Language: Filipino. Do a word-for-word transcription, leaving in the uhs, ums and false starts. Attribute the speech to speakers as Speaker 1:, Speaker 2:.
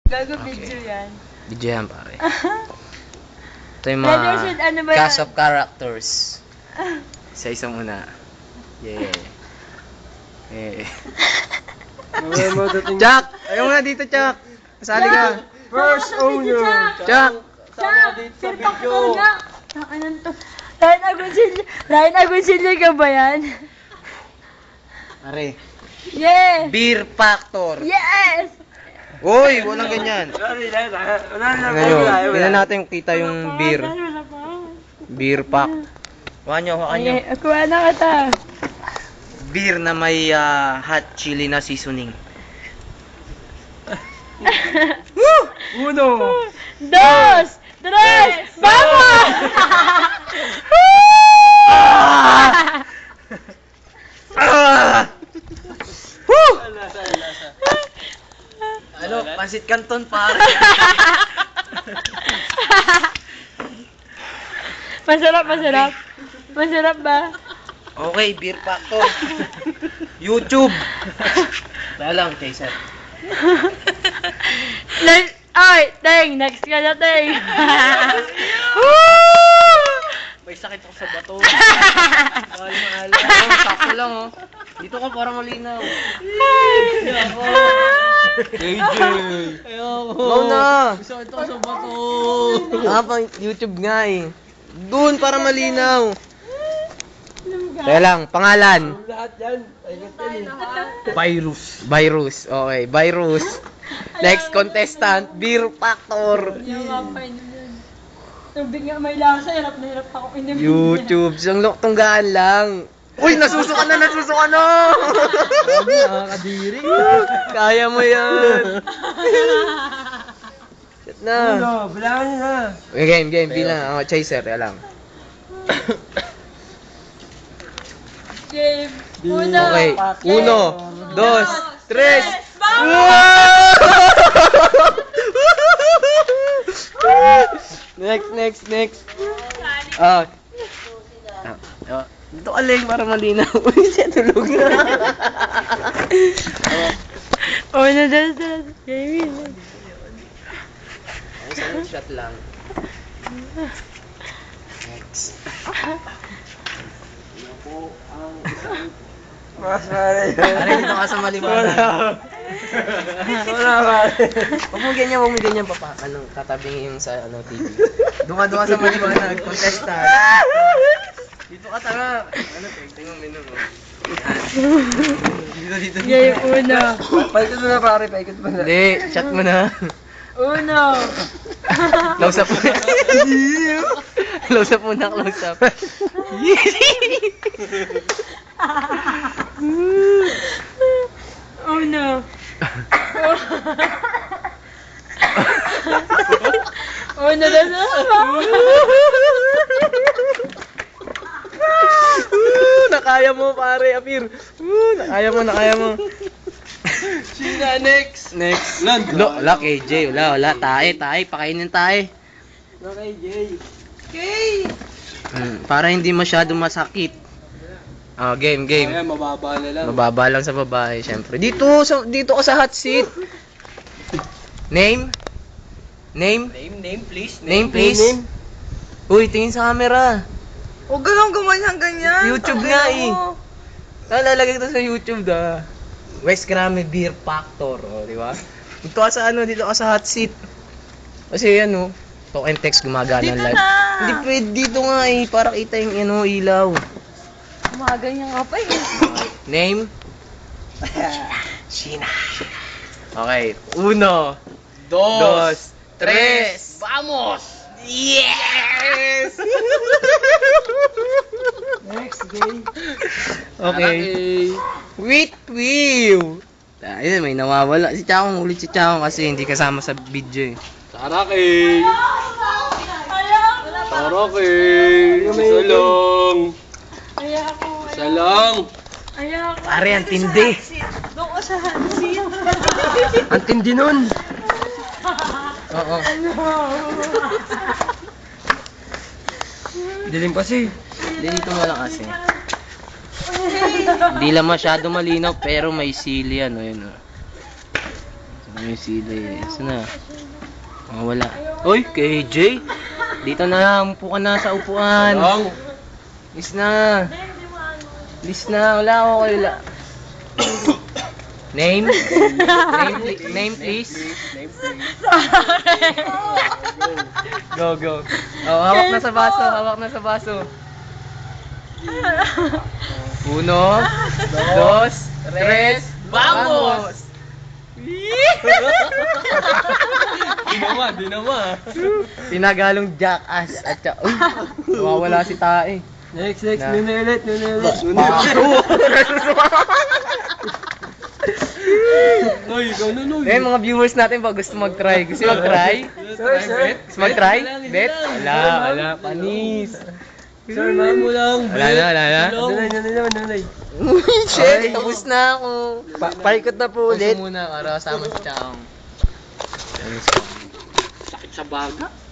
Speaker 1: Gago video yan.
Speaker 2: Video yan, pare. Ito yung mga
Speaker 1: Leadership, ano ba yan?
Speaker 2: cast of characters. Sa isang una. Yeah. Yeah. Chuck! Ayaw mo na dito, Chuck! Kasali ka.
Speaker 3: First owner.
Speaker 2: Chuck!
Speaker 3: Sama dito sa video.
Speaker 1: Anong to? Ryan Agoncillo. Ryan Agoncillo ka ba yan?
Speaker 2: Pare.
Speaker 1: Yeah!
Speaker 2: Beer Factor.
Speaker 1: Yes!
Speaker 2: Uy, walang ganyan.
Speaker 3: Wala na, wala na.
Speaker 2: Tingnan nyo. Tingnan natin kita yung beer. Beer pack. Kuha nyo, kuha nyo.
Speaker 1: Okay, kuha na kita.
Speaker 2: Beer na may ah, hot chili na seasoning.
Speaker 3: Uno.
Speaker 1: Dos! Tres! Vamos!
Speaker 2: Ah! Woo!
Speaker 3: Lasa, lasa.
Speaker 2: Ano, pansit canton pare.
Speaker 1: Masarap, masarap. Masarap ba?
Speaker 2: Okay, Beer Factor. YouTube. Kaya lang, Chaser.
Speaker 1: Next, ay, Teng, next ka na, Teng.
Speaker 2: May sakit ako sa bato. Mahal, mahal. Oh, sakto lang, oh. Dito ka para malinaw. Ayoko. J J. Ayoko. Go na. Sakit ako sa bato. Ah, pang YouTube nga eh. Doon para malinaw. Kaya lang, pangalan.
Speaker 3: Lahat yan.
Speaker 2: Virus. Virus. Okay, virus. Next contestant, Beer Factor.
Speaker 1: Tubig nga may lasa, hirap na hirap ako inimin.
Speaker 2: YouTube. Siyang tunggaan lang. Uy, nasusuka na, nasusuka na!
Speaker 3: Grabe, nakakadiri.
Speaker 2: Kaya mo yan. Shit na.
Speaker 3: Uno, bilangan nyo na.
Speaker 2: Okay, game, game. Bilang. Oh, Chaser, kaya lang.
Speaker 1: Game. Uno.
Speaker 2: Okay. Uno, dos, tres. Next, next, next. Ah. Ah, ah. Dito ka lang para malinaw. Uy, siya tulog na.
Speaker 1: Uno, dos, tres. Game.
Speaker 2: Isang shot lang. Next.
Speaker 3: Mas pare.
Speaker 2: Pare, dito ka sa maliwanag.
Speaker 3: Wala pare.
Speaker 2: Huwag mo ganyan, huwag mo ganyan papa. Ano, tatabingin yung sa ano, T V. Doon ka, doon ka sa maliwanag. Contestant. Dito ka tara. Ano, tingnan mo menu mo. Dito, dito, dito.
Speaker 1: Game. Uno.
Speaker 3: Paikot mo na pare, paikot mo na.
Speaker 2: Hindi, shot mo na.
Speaker 1: Uno.
Speaker 2: Close up muna. Close up muna, close up.
Speaker 1: Uno. Uno, dos,
Speaker 2: Uh, nakaya mo pare, Apir. Uh, nakaya mo, nakaya mo.
Speaker 3: Sina next.
Speaker 2: Next.
Speaker 3: Land.
Speaker 2: Wala, wala, K J. Wala, wala. Tae, tae. Pakainin tae.
Speaker 3: Okay, Jay.
Speaker 2: Hmm, para hindi masyado masakit. Ah, game, game.
Speaker 3: Ayan, mababa na lang.
Speaker 2: Mababa lang sa babae, syempre. Dito, sa, dito ka sa hot seat. Name? Name?
Speaker 3: Name, name, please.
Speaker 2: Name, please.
Speaker 3: Name.
Speaker 2: Uy, tingin sa camera.
Speaker 4: Huwag ka lang gumanyan ganyan.
Speaker 2: YouTube nga eh. Nalalagay ko sa YouTube da. West Grammy Beer Factor, oh, di ba? Dito ka sa ano, dito ka sa hot seat. Kasi ano, talk and text gumagana
Speaker 4: Dito
Speaker 2: live.
Speaker 4: na.
Speaker 2: Hindi pwede dito nga eh, para kita yung ano, ilaw.
Speaker 4: Gumaganyan ka pa eh.
Speaker 2: Name? Sheena. Okay, uno,
Speaker 3: Dos.
Speaker 2: dos, tres. Vamos! Yes!
Speaker 3: Next, Jay.
Speaker 2: Okay. Wait, whew! Ayun, may nawawala. Si Chakong, ulit si Chakong kasi hindi kasama sa video eh.
Speaker 3: Taraki. Taraki. Isa lang.
Speaker 1: Ayako.
Speaker 3: Isa lang.
Speaker 1: Ayako.
Speaker 2: Pare, ang tindi.
Speaker 1: Doon ko sa hansin.
Speaker 3: Ang tindi nun.
Speaker 2: Oo.
Speaker 3: Dilim kasi.
Speaker 2: Hindi dito mo lang kasi. Hindi lang masyado malinaw pero may sili ano yun. Oh. Ano yung sila eh. Saan na? Ah, wala. Uy, K J! Dito na, umupo ka na sa upuan.
Speaker 3: Lang.
Speaker 2: Lis na. Lis na, wala ako kayo la. Name? Name, pli- name please. Go, go. Oh, hawak na sa baso, hawak na sa baso. Uno, dos, tres, vamos!
Speaker 3: Di naman, di naman.
Speaker 2: Pinagalong jackass at saka, uy, nawawala si Tae.
Speaker 3: Next, next,
Speaker 2: Na.
Speaker 3: nunulit, nunulit. Uy, ikaw na, Noy.
Speaker 2: Eh, mga viewers natin pa gusto mag-try. Gusto mag-try?
Speaker 3: Sir, sir.
Speaker 2: Gusto mag-try?
Speaker 3: Bet, bet,
Speaker 2: Bet?
Speaker 3: bet.
Speaker 2: Wala, wala. Panis.
Speaker 3: Sir, ma'am mo lang.
Speaker 2: Wala na, wala na.
Speaker 3: Nunay, nunay naman, nunay.
Speaker 2: Shit, tapos na ako.
Speaker 1: Pa paikot na po
Speaker 2: Ulit. muna para kasama si Chang.
Speaker 3: Sakit sa baga.